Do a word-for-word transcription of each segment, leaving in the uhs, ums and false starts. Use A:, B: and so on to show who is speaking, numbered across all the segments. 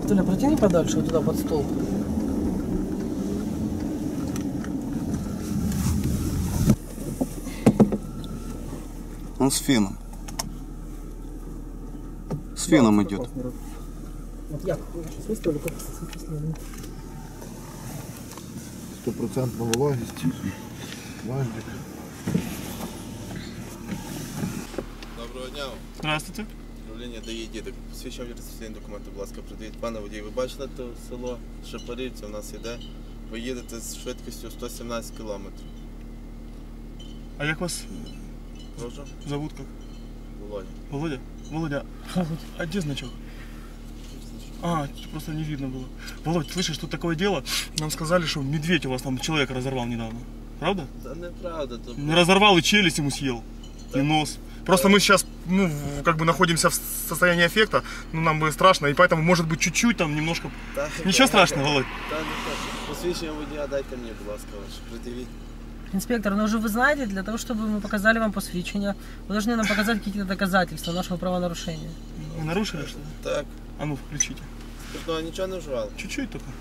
A: Толя, протяни подальше, вот туда, под стол.
B: Он с феном. С феном да, идет.
A: Вот я сейчас выставлю, как
C: стопроцентная влагость. Важник.
D: Доброго дня.
E: Здравствуйте.
D: Управління ДАІ «Дідик». Посвідчення реєстраційні документи, будь ласка, придивіть. Пане водій, ви бачили це село Шепарівці, у нас йде. Ви їдете з швидкістю сто сімнадцять кілометрів.
E: А як вас
D: Прошу?
E: зовут как?
D: Володя.
E: Володя? Володя, а где значок? А, просто не видно было. Володь, слышишь, тут такое дело? Нам сказали, что медведь у вас там человека разорвал недавно. Правда?
D: Да неправда. То...
E: Не разорвал и челюсть ему съел. Да. И нос. Просто мы сейчас, ну, как бы находимся в состоянии аффекта, ну, нам бы страшно, и поэтому, может быть, чуть-чуть там немножко...
D: Да,
E: Ничего
D: да,
E: страшного,
D: да,
E: Володь?
D: Да, не страшно. Посвідчення водія дайте мені, будь ласка, ваше. Придивіть.
A: Инспектор, ну уже вы знаете, для того, чтобы мы показали вам посвящение, вы должны нам показать какие-то доказательства нашего правонарушения.
E: Вы нарушили что-то?
D: Так.
E: А ну, включите.
D: Ну, ничего не вживали?
E: Чуть-чуть только.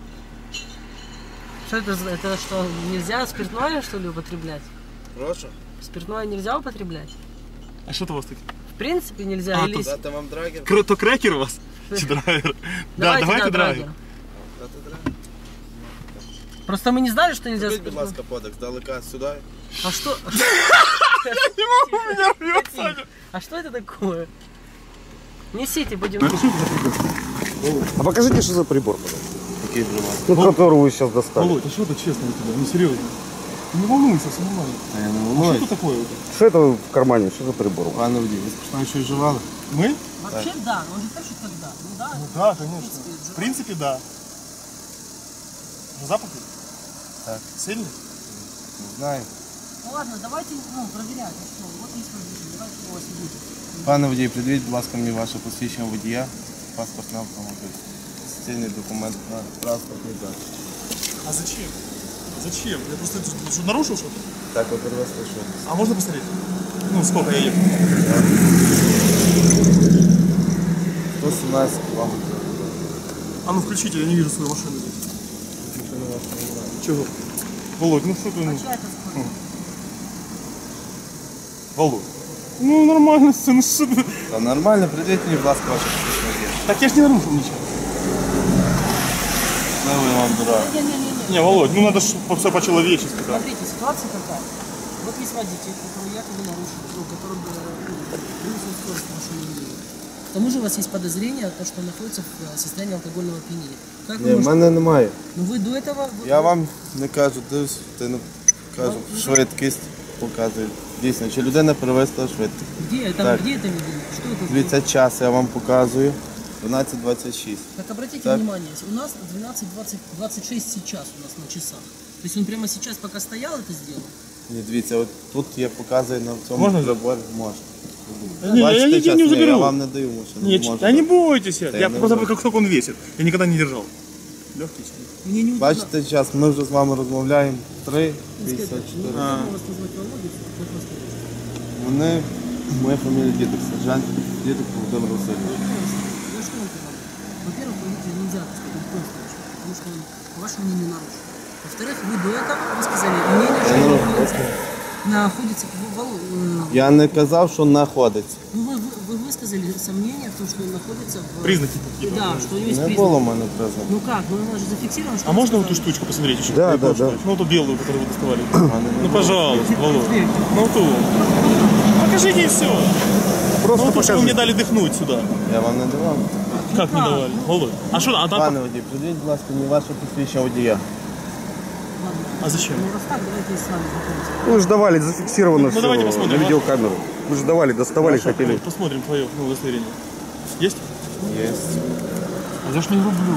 A: Что это, это что, нельзя спиртное, что ли, употреблять?
D: Прошу?
A: Спиртное нельзя употреблять?
E: А что-то у вас такое?
A: В принципе нельзя.
E: А,
A: или...
D: Дати вам драгер?
E: Кр то крекер у вас? Драйвер? Да, давайте драйвер.
D: Дати драгер?
A: Просто мы не знали, что нельзя
D: Зробіть, будь
A: спиртное.
D: ласка, подекс, далека сюди.
A: А что?
E: Я не могу, меня рвет, Саня.
A: А что это такое? Несите, будем.
C: А покажите, что за прибор, пожалуйста.
D: Какие прибор?
C: Ну, который вы сейчас достали.
E: Володь, а что это честно у тебя? Ну серьезно. Ты не волнуйся, все нормально.
D: А я не
E: А
D: волнуюсь.
E: что это такое?
C: Что это в кармане? Что за прибор?
D: Пане водій, ви спочатку щось вживали?
E: Мы?
A: Вообще да, но он же пишет когда. Ну да.
E: Ну да, конечно. В принципе, да. Запах?
D: Так.
E: Сильный?
D: Не знаю.
A: Ну ладно, давайте, ну, проверять. Ну, что, вот есть водитель, давайте его сидите.
D: Пане водій, придивіть, будь ласка, мені ваше посвідчення водія, паспорт на автомобіль. Офіційний документ на транспортний засіб.
E: А зачем? Зачем? Я просто что, нарушил что-то?
D: Так, ви перевезли що?
E: А можно посмотреть? Ну, сколько я ехал?
D: сто сімнадцять кілометрів.
E: А ну включите, я не вижу свою машину здесь. Чего? Володь, ну что ты... Ну...
A: А чья это скорость?
E: Володь. Ну нормально, ну что ты...
D: Та нормально, придивіть мені, будь ласка, ваше посвідчення водія.
E: Так я ж не нарушил ничего.
D: Ну, ви вам дурак.
A: Не-не-не.
E: Не, Володь, ну надо все по-человечески. Да.
A: Смотрите, ситуация какая. Вот есть водитель, который якобы нарушил, ну, который превысил скорость машины. К тому же у вас есть подозрение, то, что он находится в состоянии алкогольного опьянения. Как
D: Ні,
A: вы
D: в
A: можете...
D: мене немає.
A: Ну вы до этого... вы-
D: Я вам не кажу, дивись, ти не кажу, швидкість показую. Дійсно, чи людина перевезла швидкість.
A: Где это,
D: Так.
A: где это видели? Что это?
D: Дивіться, час я вам показую. дванадцять двадцять шість.
A: Так обратите
D: Так.
A: внимание, у нас двенадцать двадцать шесть сейчас у нас на часах. То есть он прямо сейчас, пока стоял, это сделал?
D: Ні, дивіться, от тут я показую на цьому
E: Можна?
D: приборі. Можна.
E: Не, я
D: Бачите,
E: нигде
D: час?
E: не
D: Ні,
E: заберу.
D: я вам не даю машину.
E: Нет,
D: можете.
E: да не бойтесь.
D: Да
E: Я,
D: я не
E: просто
D: буду.
E: как сколько он весит. Я никогда не держал. Легкий себе.
A: Мне не удобно.
D: Бачите, час, ми вже з вами розмовляємо. три п'ятдесят
A: Инспектор, не
D: чотири.
E: А.
A: удобно вас назвать Володей, как вас зовут?
D: Вони, моя фамілія Дідик, сержант Дідик Володимир Васильович.
A: Я что вам говорю? Во-первых, водителя нельзя так сказать, в коем случае, потому что он, по вашему мнению, нарушил. Во-вторых, вы до этого вы сказали мнение, что он находится, находится в- в- э,
D: Я не казав, що знаходиться.
A: ну, вы, вы, вы высказали сомнение в том, что он находится в...
E: Признаки какие-то.
A: Да, что у него есть
D: Не
A: признаки.
D: було в мене признак.
A: Ну как, ну у нас же зафиксировано, что...
E: А
A: он
E: можно вот
A: сказал.
E: эту штучку посмотреть еще?
C: Да,
E: Я
C: да,
E: прошу,
C: да.
E: Ну, эту белую, которую вы доставали.
D: Мене не
E: Ну,
D: було.
E: пожалуйста, Володь. Ну, ту. Покажите и все.
C: Просто
E: Ну, то, что вы
C: покажи.
E: мне дали дыхнуть сюда.
D: Я вам не давав.
E: Как не давали? Володь. А что, а там...
D: Пане водій, придіть, будь ласка, мені ваше посвідчення водія.
A: Ладно.
E: А зачем?
A: Ну раз так, давайте с вами знакомиться.
C: Ну, вы же давали, зафиксировано
E: Ну,
C: все
E: давайте посмотрим,
C: на
E: а?
C: видеокамеру. Вы же давали, доставали,
E: Хорошо,
C: хотели.
E: Володь, посмотрим твое ну, удостоверение. Есть?
D: Є.
E: А я ж не люблю.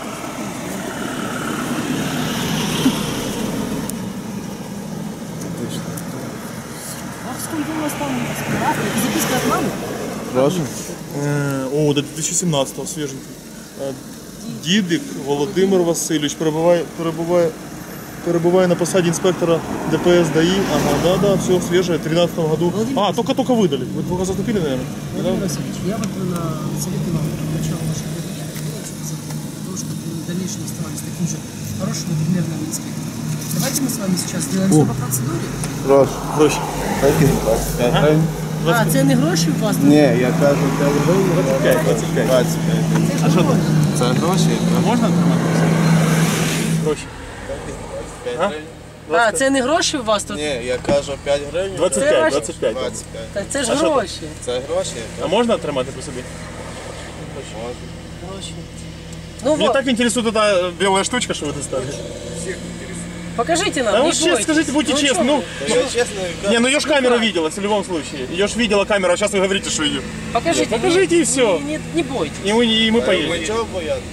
A: А сколько у вас там? А, это записка от мамы?
D: Прошу.
E: Е, О, до дві тисячі сімнадцятого, свіженький. Е, Дідик Володимир Васильович перебуває, перебуває, перебуває на посаді інспектора ДПС ДАИ. Ага, да, да, все свежее, в тринадцатом году. А, только-только выдали. Вы только заступили, наверное?
A: Владимир Васильевич, я вот на совете вам начала вашего водителя, закон, для того, чтобы вы в дальнейшем оставались таким же хорошим и примерным инспектором. Давайте мы с вами сейчас сделаем все по процедуре.
D: Гроші.
E: Гроші.
D: Такі двадцять п'ять гривень.
A: А, це не гроші у вас?
D: Ні, я кажу п'ять гривень.
E: двадцять п'ять, двадцять п'ять.
D: двадцять п'ять.
A: Це ж гроші.
D: Це гроші?
E: А можна тримати? Гроші.
D: п'ять
E: А?
D: гривень.
A: А, це не гроші у вас тут?
D: Ні, я кажу п'ять гривень.
E: двадцять
A: Це
E: п'ять,
A: ваші?
E: двадцять п'ять.
D: двадцять п'ять.
A: Та це ж
E: А що
A: гроші.
D: Це гроші?
E: А можна тримати при собі?
A: Гроші. Ну
E: Меня
A: вот,
E: так интересует эта белая штучка, что вы достали.
A: покажите нам,
E: Да
A: не
E: уж честно,
A: бойтесь.
E: скажите, будьте
A: Ну,
E: честны.
A: чё
E: Ну,
A: вы?
D: Та я чесно кажу.
E: не, ну ее ж камера видела в любом случае. Ее ж видела камера, а сейчас вы говорите, что ее.
A: Покажите,
E: Покажите
A: не,
E: и всё.
A: Не, не, не бойтесь.
E: И мы, и мы
D: Ми
E: поедем.
D: чого боятися?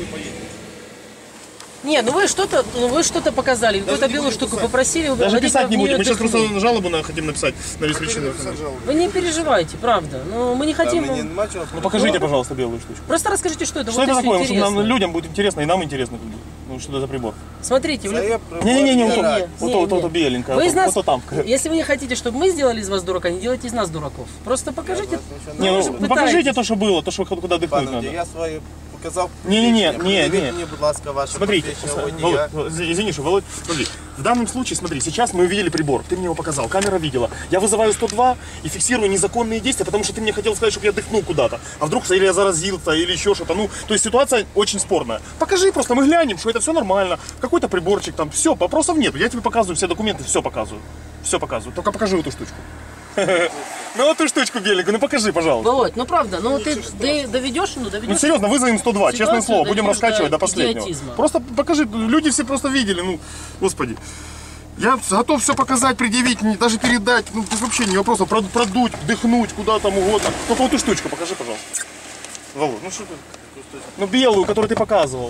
A: Не, ну вы что-то, ну вы что-то показали, какую-то белую штуку попросили, вы
E: Даже
A: вроде
E: писать
A: как
E: не
A: в неё
E: будем. Мы сейчас
A: дыхнули.
E: просто жалобу на, хотим написать на обеспечение.
A: Вы не переживайте, правда. Ну мы не
D: Та
A: хотим.
D: мені нема чого.
E: Ну покажите, пожалуйста, белую штучку.
A: Просто расскажите, что это.
E: Что
A: вот
E: это
A: если
E: такое? Потому что
A: интересно.
E: нам, людям будет интересно, и нам интересно. как бы. Ну что это за прибор?
A: Смотрите, в
D: Це
A: люб-
D: є прибор
E: Не-не-не, вот
D: для
E: то,
D: раді.
E: вот
A: не,
E: то, вот то,
A: не.
E: вот то беленькое.
A: Вы
E: Вот
A: из нас,
E: вот то там.
A: если вы не хотите, чтобы мы сделали из вас дурака, не делайте из нас дураков. Просто покажите.
E: Не,
A: вы
E: ну,
A: же
E: ну покажите
A: пытаетесь.
E: то, что было, то, что куда дыхнуть
D: Пане,
E: надо.
D: я свою показав.
E: Не-не-не,
D: посвідчення.
E: не,
D: Придивіть
E: не.
D: мені, будь ласка, ваше
E: Смотрите,
D: посвідчення
E: Володь,
D: водія.
E: Володь, извини, что, Володь, смотри, в данном случае, смотри, сейчас мы увидели прибор, ты мне его показал, камера видела. Я вызываю сто два и фиксирую незаконные действия, потому что ты мне хотел сказать, чтобы я дыхнул куда-то. А вдруг или я заразился, или еще что-то. Ну, то есть ситуация очень спорная. Покажи просто, мы глянем, что это все нормально. Какой-то приборчик там, все, вопросов нет. Я тебе показываю все документы, все показываю. Все показываю. Только покажи эту штучку. Ну, вот эту штучку беленькую, ну покажи, пожалуйста.
A: Володь, ну правда, ну ты ды- доведешь, ну доведешь.
E: Ну серьезно, вызовем сто два, честное
A: Ситуацию
E: слово, будем
A: доведешь
E: раскачивать
A: до
E: до последнего.
A: идиотизма.
E: Просто покажи, люди все просто видели, ну, господи. Я готов все показать, предъявить, не- даже передать, ну, без вообще не вопроса, прод- продуть, вдохнуть, куда там угодно. Только вот эту штучку покажи, пожалуйста. Володь, ну что ты? Ну белую, которую ты показывал.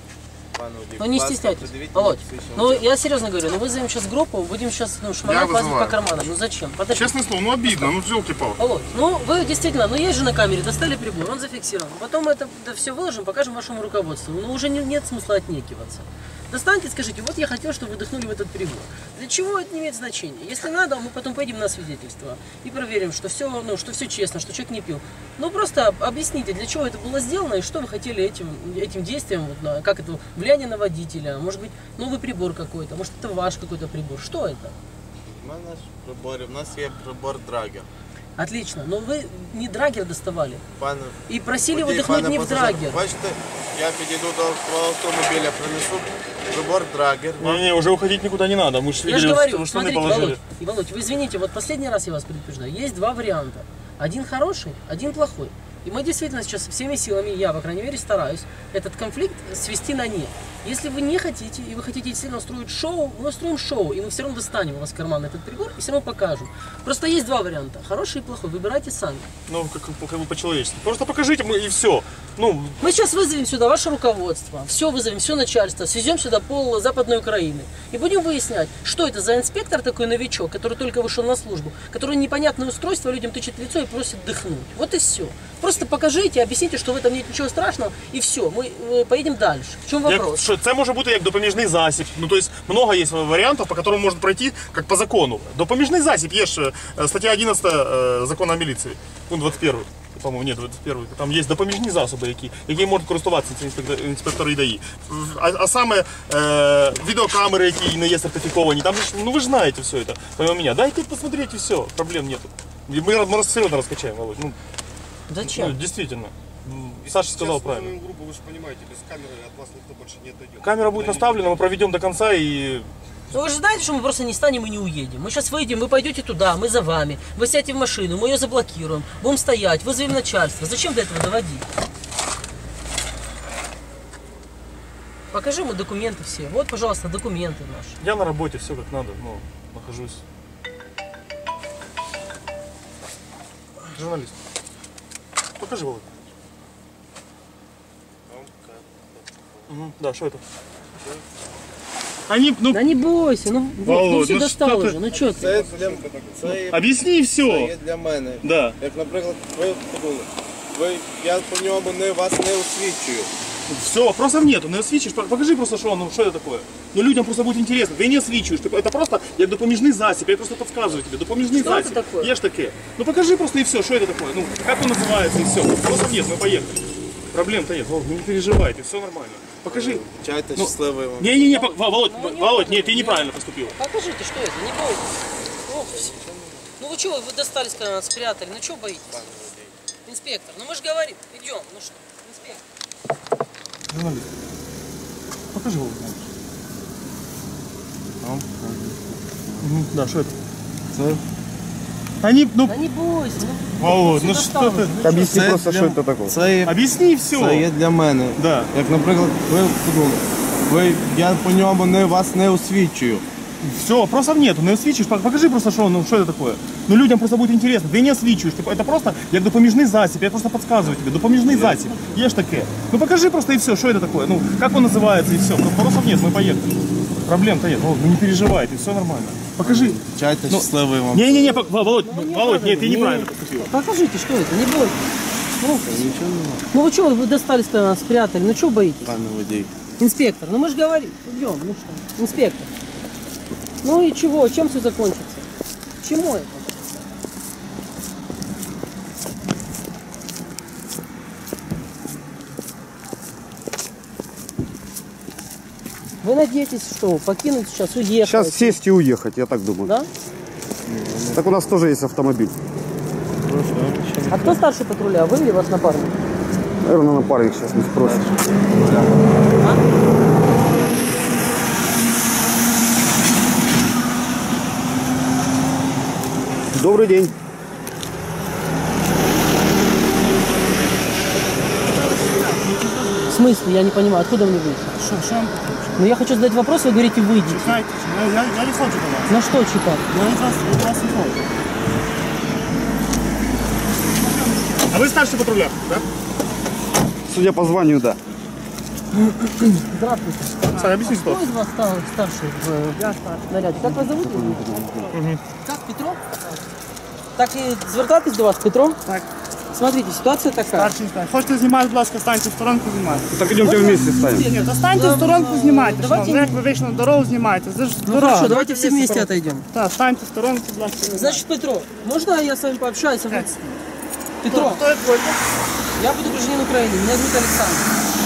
D: Пане водій,
A: Ну не
D: будь ласка,
A: стесняйтесь.
D: придивіть
A: Володь,
D: мені посвідчення
A: ну
D: водія.
A: я серьезно говорю, ну вызовем сейчас группу, будем сейчас ну, шмонать вас
E: вызываю.
A: по карманам. Ну зачем? Подожди.
E: Честное слово, ну обидно, ну елки-палки.
A: Володь, ну вы действительно, ну есть же на камере, достали прибор, он зафиксирован. Потом это, все выложим, покажем вашему руководству. Ну уже не- нет смысла отнекиваться. Достаньте, скажите, вот я хотел, чтобы вы вдохнули в этот прибор. Для чего это не имеет значения? Если надо, мы потом поедем на свидетельство и проверим, что все, ну, что все честно, что человек не пил. Ну просто объясните, для чего это было сделано и что вы хотели этим, этим действием, вот, на- как это, влияние на водителя, может быть, новый прибор какой-то, может это ваш какой-то прибор. Что это?
D: У мене ж приборів, у нас є прибор Драгер.
A: Отлично, но вы не драгер доставали
D: Пане
A: и просили его
D: водій,
A: вдохнуть
D: пане
A: не в
D: пасажир,
A: драгер.
D: Бачите, я підійду до свого автомобіля, принесу прибор Драгер.
E: Не-не, уже уходить никуда не надо, мы же
A: Я же
E: видели,
A: говорю,
E: что вы штаны
A: смотрите,
E: положили.
A: Володь, и, Володь, вы извините, вот последний раз я вас предупреждаю, есть два варианта. Один хороший, один плохой. И мы действительно сейчас всеми силами, я, по крайней мере, стараюсь этот конфликт свести на нет. Если вы не хотите, и вы хотите действительно устроить шоу, мы устроим шоу, и мы все равно достанем у вас в карман этот прибор и все равно покажем. Просто есть два варианта, хороший и плохой, выбирайте сами.
E: Ну, как, как бы по-человечески. Просто покажите мы и все. Ну,
A: Мы сейчас вызовем сюда ваше руководство, все вызовем, все начальство, свезем сюда пол Западной Украины и будем выяснять, что это за инспектор такой новичок, который только вышел на службу, который непонятное устройство людям тычет в лицо и просит дыхнуть. Вот и все. Просто покажите, объясните, что в этом нет ничего страшного, и все, мы э, поедем дальше. В чем
E: як,
A: вопрос?
E: що, це може бути як допоміжний засіб. Ну, тобто, много є варіантів, по которым можна пройти, як по закону. Допоміжний засіб, є ж е, стаття одинадцята е, закону о міліції, ну, двадцять перша. По-моєму, ні, двадцять перша. Там є допоміжні засоби, які, які можуть користуватися ці інспектори, інспектори ДАІ. А, а саме е, відеокамери, які не є сертифіковані, там же, ж, ну ви ж знаєте все це, помимо мене. Дайте посмотреть і все, проблем нету. И мы, мы серьезно раскачаем, Володь. Ну, ну,
A: Зачем?
E: действительно. Саша сказал правильно.
C: группу, вы же понимаете, без камеры от вас никто больше не отойдет.
E: Камера будет наставлена, мы проведем до конца и...
A: Ну вы же знаете, что мы просто не станем и не уедем. Мы сейчас выйдем, вы пойдете туда, мы за вами. Вы сядете в машину, мы ее заблокируем, будем стоять, вызовем начальство. Зачем до этого доводить? Покажи ему документы все. Вот, пожалуйста, документы наши.
E: Я на работе, все как надо, ну, нахожусь. Журналист. Покажи, Володь. Угу, да, что это? Они, ну,
A: Да не бойся, ну, вот, ну
E: Володь,
A: все
E: ну
A: достал
E: что ты?
A: уже, ну что ты?
D: Це для, це є-
E: объясни
D: це
E: все.
D: є для мене.
E: Да.
D: Як, наприклад, ви подумали, ви, я по ньому не, вас не освічую.
E: Все, вопросов нету, не освічиш, покажи просто, що, ну, що це таке. Ну, людям просто буде інтересно, ти не освічуєш, ти- це просто як допоміжний засіб, я просто підказую тобі, допоміжний
A: Що це
E: засіб.
A: таке?
E: Є ж таке. Ну, покажи просто і все, що це таке, ну, як він називається і все. Вопросов нет, ми поїхали. Проблем-то нет, Володь, не переживайте, все нормально. Покажи.
D: Чайте,
E: Ну,
D: щасливої вам.
E: Не-не-не, Володь, Володь, нет, ты неправильно поступил.
A: Покажите, что это, не бойтесь. Ну, ну вы чего, вы достали, сказали, спрятали, ну чего боитесь? Инспектор, ну мы же говорим, идем, ну что, инспектор.
E: Журналист. Покажи Володь. Угу, да, что это? Они, ну,
A: Да не бойся, ну,
E: Володь, ну
A: всё
E: что
A: достанут,
E: ты?
A: ну,
C: Объясни
D: Це
C: просто,
D: для-
C: что это такое.
D: Це є,
E: Объясни все.
D: це є для мене.
E: Да.
D: Як, наприклад, ви подумали, ви, я по ньому не, вас не освічую.
E: Все, вопросов нету, не освічуєш, покажи просто, що, ну, що это такое. Ну, людям просто буде інтересно, ти не освічуєш, типу, это просто як допоміжний засіб, я просто подсказываю тебе, допоміжний засіб, є ж таке. Ну, покажи просто и все, что это такое, ну, как он называется и все, вопросов нет, мы поехали. Проблем-то нет, Володь, ну не переживайте, все нормально. Покажи.
D: Чайте,
E: Ну,
D: щасливої вам.
E: Не-не-не, пок- Володь, Володь, нет, ты неправильно поступил.
A: покажите, что это, не бойтесь. Ну, ну вы чего, вы достали, сказали, спрятали, ну чего боитесь?
D: Пане водій.
A: Инспектор, ну мы же говорим, идем, ну что, инспектор. Ну и чего, чем все закончится? Чему это? Вы надеетесь, что покинуть сейчас, уехать?
C: Сейчас сесть и уехать, я так думаю.
A: Да?
C: Так у нас тоже есть автомобиль.
A: А кто старший патруля, вы или ваш напарник?
C: Наверное, напарник сейчас не спросит. Добрый день.
A: В смысле? Я не понимаю, откуда мне выйти?
E: Что, что вам
A: Ну я хочу задать вопрос, вы говорите, выйдите.
E: Чекайте, я, я не хочу до вас.
A: На что читать?
E: Я від вас, від вас не хочу. А вы старший патруля, да?
C: Судя по званию, да.
A: Здравствуйте.
E: Сань, объясни
A: Кто
E: ситуацию.
A: из вас стар- старший в э, наряде? Как вас зовут? Как, Петро? Так і звертатись до вас, Петро?
F: Так.
A: Смотрите, ситуация такая.
F: Старший інспектор. Хочете знімати, будь ласка, станьте в сторонку, знімайте.
C: Так идемте вместе станем.
F: Ні, то станьте в сторонку, знімайте.
A: Давайте
F: Давайте... Як ви вийшли на дорогу, знімайте. Це ж
A: Ну
F: дорога.
A: хорошо, давайте все вместе отойдем.
F: Так, станьте в сторонку, будь ласка.
A: Значит, Петро, можно я с вами пообщаюсь? А вы- Петро,
F: Хто як будете?
A: я буду гражданин Украины, меня зовут Александр.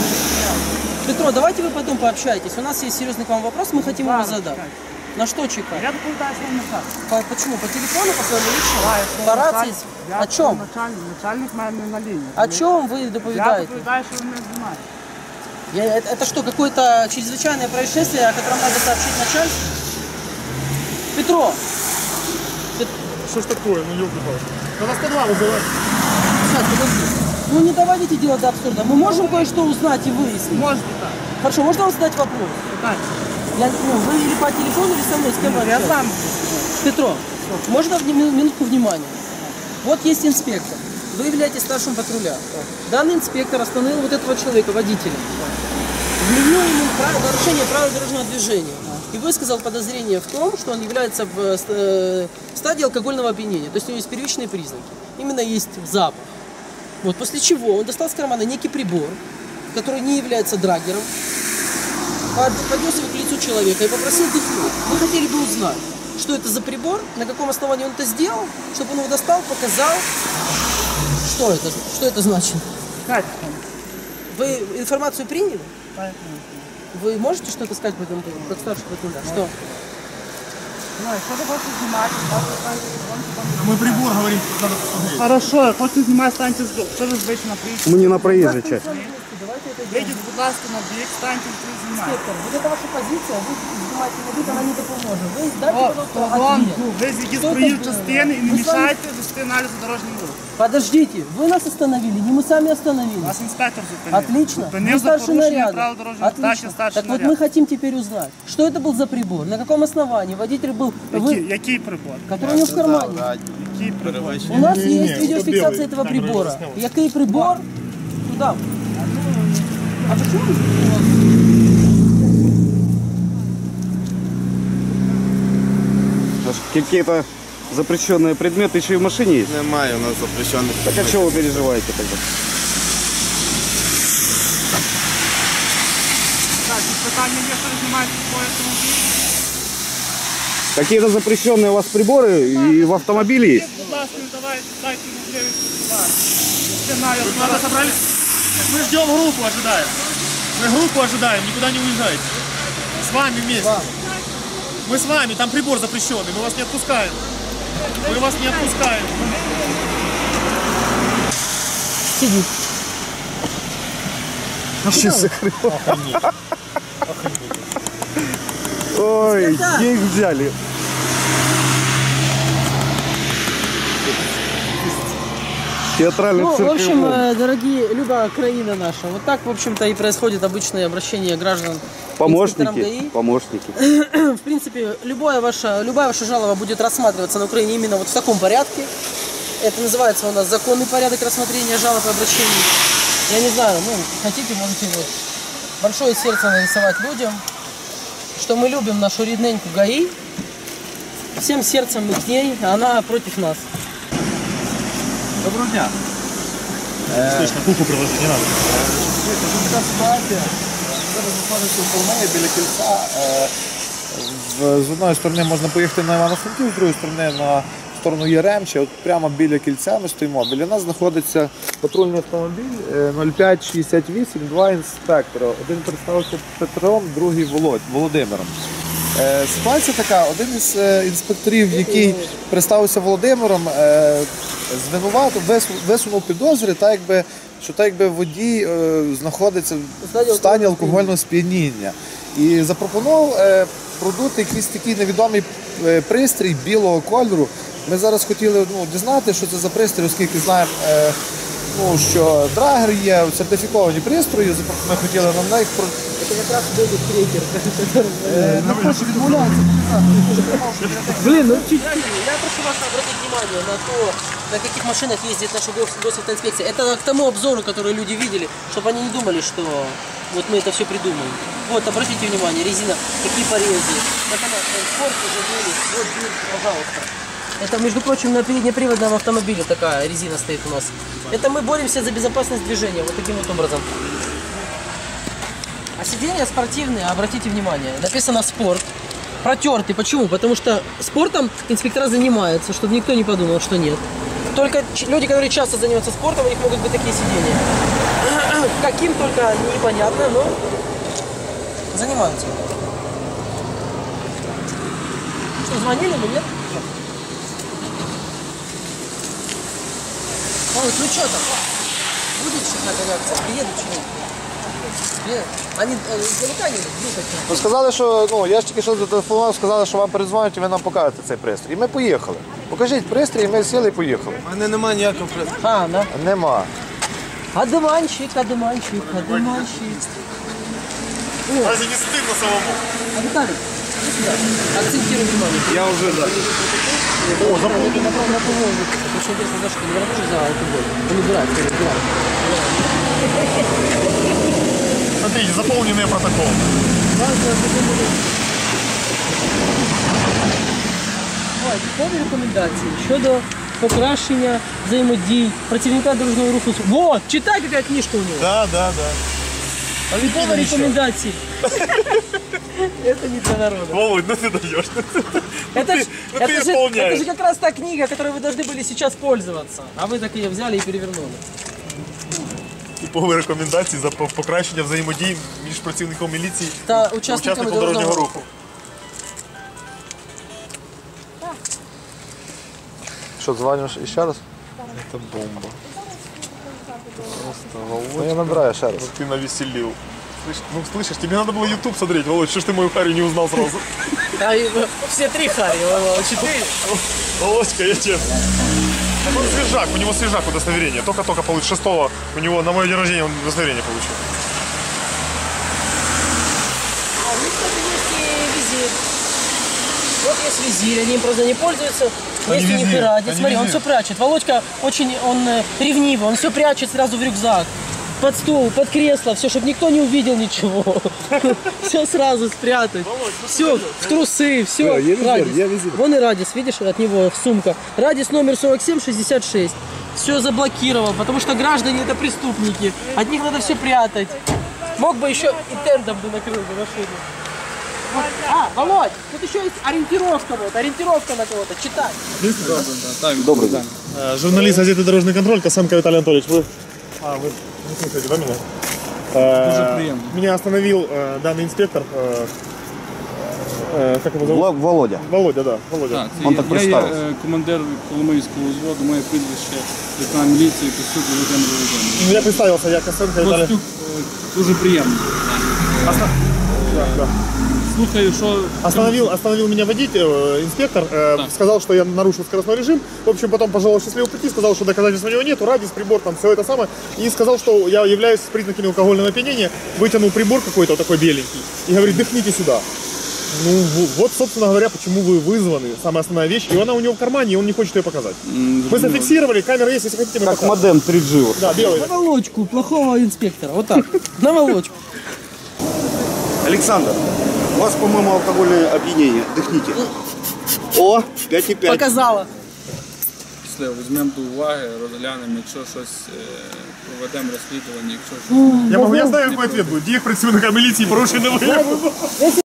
A: Петро, давайте вы потом пообщаетесь. У нас есть серьезный к вам вопрос, мы хотим его
F: Ладно,
A: задать.
F: чекайте.
A: На что чекать?
F: Я доповідаю своїм наказ.
A: По- почему? По телефону, по своему личному?
F: Так, я
A: По
F: своїм
A: рации?
F: наказ- я
A: О чем?
F: Начальник, начальник мене на лінії.
A: О чем вы
F: Я
A: доповедаете?
F: доповідаю, що ви мене знімаєте.
A: Я, это, это что, какое-то чрезвычайное происшествие, о котором надо сообщить начальству? Петро! Пет-
E: Что ж такое, ну ёлки-палки. Надо сто два вызывать.
A: Сейчас, подожди. Ну не доводите дело до абсурда. Мы можем кое-что узнать и выяснить?
F: Можете так.
A: Хорошо, можно вам задать вопрос?
F: Так.
A: Я, ну, вы или по телефону, или со мной, с кем вы
F: Я
A: общаетесь?
F: сам.
A: Петро, можно вни- мину- минутку внимания? Вот есть инспектор. Вы являетесь старшим патруля. Данный инспектор остановил вот этого человека, водителя. Вменил ему прав- нарушение правил дорожного движения. И высказал подозрение в том, что он является в э, ст- э, стадии алкогольного опьянения. То есть у него есть первичные признаки. Именно есть запах. Вот, после чего он достал с кармана некий прибор, который не является драгером, под- поднес его к лицу человека и попросил дыхнуть. Мы хотели бы узнать, что это за прибор, на каком основании он это сделал, чтобы он его достал, показал. Что это, что это значит?
F: Чекайте.
A: Вы информацию приняли?
F: Так,
A: Вы можете что-то сказать по этому поводу, как старший патруля? Что?
F: ну, якщо ви хочете знімати, станьте в сторонку, там.
E: Мы прибор говорим, надо посмотреть.
F: Хорошо, хочете знімати, станьте з Що ви ж вийшли на приїзд?
C: Мы не на проезжей части.
A: Давайте это сделаем.
F: Вийдіть, будь ласка, на бік, станьте і знімайте.
A: Инспектор, вот это ваша позиция, вы снимаете на вид, она не допоможет. Вы дайте,
F: О,
A: пожалуйста,
F: вон,
A: ответ.
F: ви з якісь
A: Що
F: проїзд
A: таке?
F: частини і не
A: Ви самі-
F: мішайте вести аналізу дорожнього руху.
A: Подождите, вы нас остановили, не мы сами остановились.
F: Вас інспектор зупинив.
A: Отлично.
F: Зупинив
A: Вы
F: за
A: старший
F: порушення
A: наряд.
F: правил дорожнього руху. Так, я
A: Отлично.
F: старший
A: Так вот
F: наряд.
A: мы хотим теперь узнать, что это был за прибор, на каком основании водитель был,
F: Який,
A: вы,
F: який прибор?
A: который у него в кармане.
F: Який прибор?
A: У нас
E: Не-не-не,
A: есть
E: это
A: видеофиксация
E: белый,
A: этого
E: камера
A: прибора.
E: засняла.
A: Який прибор? Туда. А почему вы
C: Аж какие-то запрещенные предметы еще и в машине есть.
D: Немає у нас запрещених.
C: Так а чего вы переживаете тогда?
F: Так, і питання є, що ви знімаєте свій автомобіль.
C: Какие-то запрещенные у вас приборы и в автомобиле есть?
F: Будь ласка, давайте, дайте можливість. Сценарій.
E: Надо собрались? Мы ждем группу, ожидаем. Мы группу ожидаем, никуда не уезжайте. С вами вместе. Мы с вами, там прибор запрещенный, мы вас не отпускаем. Мы вас не отпускаем.
A: Сидит.
C: Сейчас закрыл. Ой, их взяли. Театральный
A: Ну,
C: цирк.
A: в общем, э, дорогие, Люба, Украина наша. Вот так, в общем-то, и происходит обычное обращение граждан. к инспекторам
C: Помощники,
A: ГАИ.
C: помощники.
A: В принципе, любая ваша, любая ваша жалоба будет рассматриваться на Украине именно вот в таком порядке. Это называется у нас законный порядок рассмотрения жалоб и обращений. Я не знаю, ну, хотите, можете вот большое сердце нарисовать людям, что мы любим нашу рідненьку ГАИ. Всем сердцем мы к ней, а она против нас.
G: Доброго дня.
E: Слышно, куху приложить не надо.
G: Така ситуація. Зараз знаходиться в Полмеї біля кільця. Е, в- З одної сторони можна поїхати на Івано-Франківськ, з другої сторони на сторону Яремче. От прямо біля кільця ми стоїмо. Біля нас знаходиться патрульний автомобіль е, нуль п'ять шістдесят вісім, два інспектора. Один представився Петром, другий Володь, Володимиром. Е, Ситуація така, один із е, інспекторів, який представився Володимиром, е, звинуватив, вису- висунув підозри, так якби, що так якби водій е, знаходиться в стані алкогольного сп'яніння. І запропонував е, продути якийсь такий невідомий е, пристрій білого кольору. Ми зараз хотіли ну, дізнати, що це за пристрій, оскільки знаємо, е, ну, що драгер є, сертифіковані пристрої, запро- ми хотіли на них про-
A: Это как раз будет крекер, который ну, хочет відмовляється. Блин, ну чуть Я прошу вас обратить внимание на то, на каких машинах ездит наша гос- госавтоинспекция. Это к тому обзору, который люди видели, чтобы они не думали, что вот мы это все придумаем. Вот, обратите внимание, резина, какие порезы. Это на спорт уже были, вот, вот, пожалуйста. Это, между прочим, на переднеприводном автомобиле такая резина стоит у нас. Это мы боремся за безопасность движения, вот таким вот образом. А сиденья спортивные, обратите внимание, написано «спорт». Протертый. Почему? Потому что спортом инспектора занимаются, чтобы никто не подумал, что нет. Только ч- люди, которые часто занимаются спортом, у них могут быть такие сиденья. Каким только непонятно, но занимаются. Что, звонили мы, нет? Ой, ну что там? Будет сейчас какая реакция? Приедут что-нибудь? Приедут? Они э, издалека едут? Ну, такие.
G: Ну, сказали, що ну, я ж тільки що зателефонував, сказали, що вам передзвонять і ви нам покажете цей пристрій. І ми поїхали. Покажіть пристрій, і ми сіли і поїхали.
D: У мене немає ніякого пристрою.
A: А, да.
G: Нема.
A: Одуванчик, одуванчик, одуванчик.
E: Разве не стыдно самому?
A: А Виталий, иди сюда. Акцентируй внимание.
C: Я уже, да.
A: О, запомни. Очень интересно, Даша, ты не работаешь за алкоголь? Он убирает, скорее, убирает.
E: Смотрите, заполненные протоколы.
A: Ой, типові рекомендації щодо покращення взаємодій, працівника дорожнього руху. Вот, читай, яка книжка у него.
E: Да, да, да.
A: Типові рекомендації. Это не для народа.
E: Володь, ну ты даешь.
A: Это, ж,
E: ну
A: это,
E: ты
A: же,
E: исполняешь.
A: это же как раз та книга, которой вы должны были сейчас пользоваться. А вы так ее взяли и перевернули.
E: Типові рекомендації за по- покращення взаємодії між працівником міліції
A: Та
E: і
A: учасниками
E: учасником
A: дорожнього
E: дорожнього
A: руху.
E: руху.
G: Що, дзвониш ще раз?
E: Це бомба.
G: Ну, я набираю ще раз.
E: Ты навеселил. Слышь, ну слышишь, тебе надо было YouTube смотреть, Володь, что ж ты мою Харри не узнал сразу?
A: А, и, э, все три Харри, четыре.
E: Володька, я честно. Так он свежак, у него свежак удостоверение. Только-только получил шестого, у него на мое день рождения он удостоверение получил.
A: А у них, кстати, есть и визирь. Вот есть визирь, они им просто не пользуются.
E: Они
A: Есть у них
E: везде,
A: и радио.
E: они
A: Смотри, он
E: везде.
A: все прячет. Володька очень, он э, ревнивый, он все прячет сразу в рюкзак. Под стул, под кресло, все, чтобы никто не увидел ничего. Все сразу спрятать. Все, в трусы, все.
G: Да, я визир, я визир.
A: Вон и радиус, видишь, от него сумка. Радиус номер сорок семь шестьдесят шесть. Все заблокировал, потому что граждане это преступники. От них надо все прятать. Мог бы еще и тендом бы накрыл бы машину. А, Володь, тут еще есть ориентировка, вот, ориентировка на кого-то, читай.
C: Добрый день.
E: Журналист газеты «Дорожный контроль», Косенко Виталий Анатольевич. Вы, а, вы Не слышите, да, меня? Э,
H: приятно.
E: Меня остановил э, данный инспектор. Э, э, как его зовут?
C: Вла- Володя.
E: Володя, да. Володя.
H: Так, це
C: Он
H: я,
C: так
H: я є
C: представився.
H: е, командир Коломийського взводу, моє прізвище лейтенант міліції Костюк Володимир Володимирович.
E: Ну, я представился, я Косенко Виталий.
H: Костюк е, дуже приємно.
E: Оста- Да, да.
H: Слухаю, що
E: Остановил, остановил меня водитель, э, инспектор, э,
H: Так.
E: сказал, что я нарушил скоростной режим. В общем, потом пожелал счастливого пути, сказал, что доказательств у него нету, радиус, прибор, там все это самое. И сказал, что я являюсь с признаками алкогольного опьянения. Вытянул прибор какой-то, вот такой беленький. И говорит, дыхните сюда. Ну, в- вот, собственно говоря, почему вы вызваны. Самая основная вещь. И она у него в кармане, и он не хочет ее показать.
H: м,
E: Мы
H: зрозуміло.
E: зафиксировали, камера есть, если хотите, мы
C: Как
E: покажем.
C: модем три джи. вот.
E: Да, белый.
A: На волочку плохого инспектора. Вот так. На волочку.
C: Александр, у вас, по-моему, алкогольное опьянение. Дыхните. О, пять и пять.
A: Показала.
H: Після візьмемо до уваги, розглянемо, якщо щось е, проведемо розслідування, якщо щось.
E: Я, могу, я знаю, какой ответ будет. Диех представника милиции, порушенный выявлен.